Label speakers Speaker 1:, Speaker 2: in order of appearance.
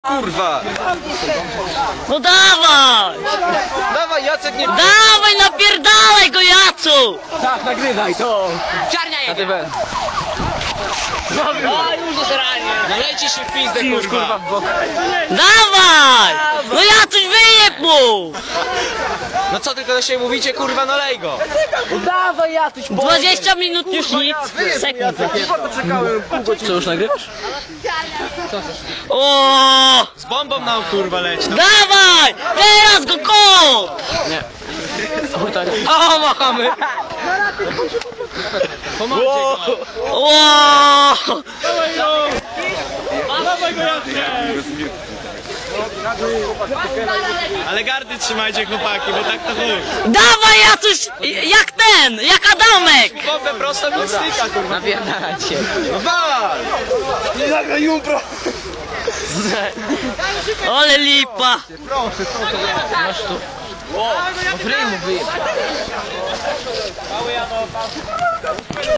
Speaker 1: Kurwa!
Speaker 2: No dawaj!
Speaker 1: Dawaj, Jacek, nie...
Speaker 2: Dawaj, napierdalaj go, Jacu!
Speaker 1: Tak, nagrywaj to!
Speaker 2: Czarnia jedzie!
Speaker 1: A już do zarania! Nalejcie się w pizdę, kurwa!
Speaker 2: Dawaj! No Jacuś, wyjeb mu!
Speaker 1: No co tylko do siebie mówicie, kurwa, no lej go!
Speaker 3: Dawaj, Jacuś,
Speaker 2: 20 minut już nic! Sekund.
Speaker 3: co już nagrywasz?
Speaker 2: O!
Speaker 1: Z bombą nam, kurwa, leć! No.
Speaker 2: Dawaj! Teraz go kop!
Speaker 3: Nie.
Speaker 1: O, machamy! Pomagcie go!
Speaker 2: O!
Speaker 1: Ale gardy trzymajcie, chłopaki, bo tak to chuj!
Speaker 2: Dawaj, Jacuś! Jak ten! Jak Adamek!
Speaker 1: Bombę prosto do styka, kurwa!
Speaker 3: Napierdalajcie.
Speaker 1: No wal! Nie zagraj jumpro!
Speaker 2: Ale lipa!
Speaker 3: Masz tu. O, w ryj mu wyjeb.